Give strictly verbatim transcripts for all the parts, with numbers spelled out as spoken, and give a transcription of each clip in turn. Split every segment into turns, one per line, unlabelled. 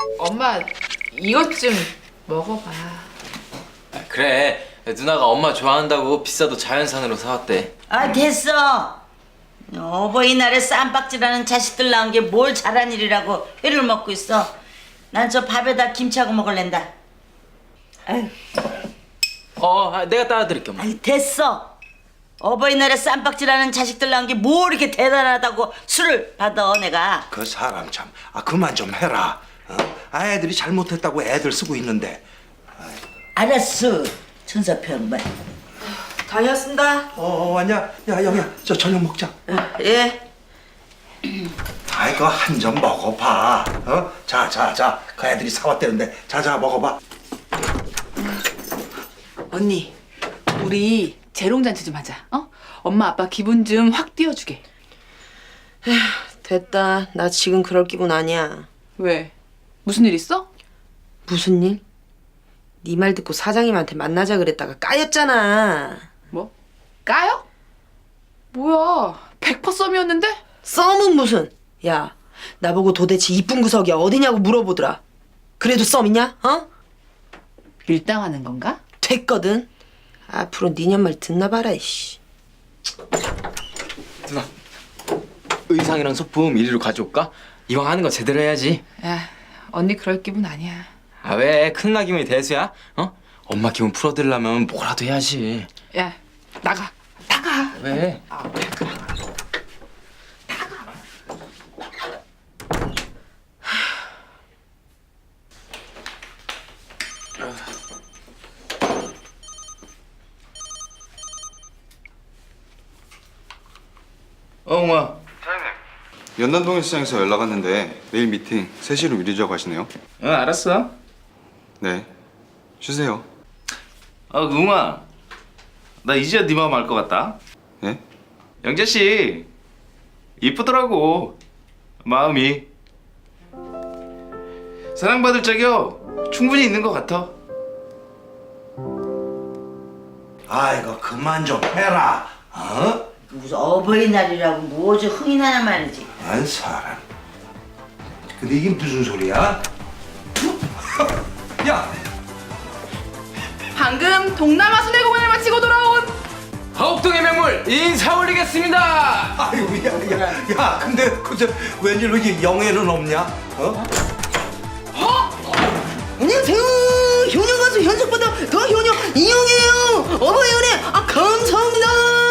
엄마 이것 좀 먹어봐.
아, 그래 누나가 엄마 좋아한다고 비싸도 자연산으로 사왔대.
아 됐어. 어버이날에 쌈박질하는 자식들 낳은 게 뭘 잘한 일이라고 회를 먹고 있어. 난 저 밥에다 김치하고 먹을랜다. 아유,
어 아, 내가 따라드릴게 엄마.
아유 됐어. 어버이날에 쌈박질하는 자식들 낳은 게 뭘 이렇게 대단하다고 술을 받아 내가.
그 사람 참, 아 그만 좀 해라. 어? 아 애들이 잘못했다고 애들 쓰고 있는데.
알았어. 천사표 양반.
다녀왔습니다.
어, 어 왔냐? 야 영희야, 저 저녁 먹자.
예.
아이 그 한 점 먹어봐. 어? 자, 자, 자. 그 애들이 사왔대는데, 자, 자 먹어봐.
언니 우리 재롱잔치 좀 하자. 어? 엄마 아빠 기분 좀 확 띄워주게.
됐다. 나 지금 그럴 기분 아니야.
왜? 무슨 일 있어?
무슨 일? 네 말 듣고 사장님한테 만나자 그랬다가 까였잖아.
뭐? 까요? 뭐야 백 퍼센트 썸이었는데?
썸은 무슨? 야, 나보고 도대체 이쁜 구석이 어디냐고 물어보더라. 그래도 썸이냐? 어?
밀당하는 건가?
됐거든. 앞으로 니년 말 듣나 봐라 이씨.
누나 의상이랑 소품 이리로 가져올까? 이왕 하는 거 제대로 해야지.
야 언니 그럴 기분 아니야.
아 왜 큰 나 기분이 대수야? 어? 엄마 기분 풀어드리려면 뭐라도 해야지.
야 나가 나가.
왜?
아, 나가.
어, 웅아.
사장님.
연남동일 시장에서 연락 왔는데 내일 미팅 세 시로 미루자고 하시네요.
응, 알았어.
네. 쉬세요.
아, 웅아. 나 이제야 네 마음 알 것 같다.
네?
영재 씨. 이쁘더라고. 마음이. 사랑받을 적이요. 충분히 있는 것 같아.
아이고 그만 좀 해라. 어?
무슨 어버이날이라고 뭐지 흥이 나냐 말이지.
안 사람. 근데 이게 무슨 소리야? 야,
방금 동남아 순회공연을 마치고 돌아온
허옥동의 명물 인사 올리겠습니다.
아이고 야, 야, 야, 근데 그저 웬일로 이게 영애는 없냐? 어?
안녕하세요. 효녀 가수 현숙보다 더 효녀 이영이에요. 어버이연애 아 감사합니다.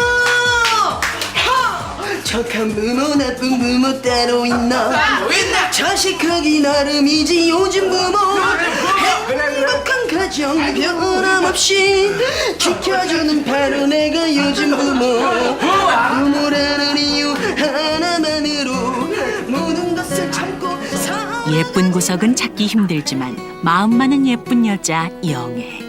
하! 착한 부모 나쁜 부모 따로 있나? 자식하기 나름이지 요즘 부모. 행복한 가정 변함없이 지켜주는 바로 내가 요즘 부모. 부모라는 이유 하나만으로 모든 것을 참고 살.
예쁜 구석은 찾기 힘들지만 마음만은 예쁜 여자 영애.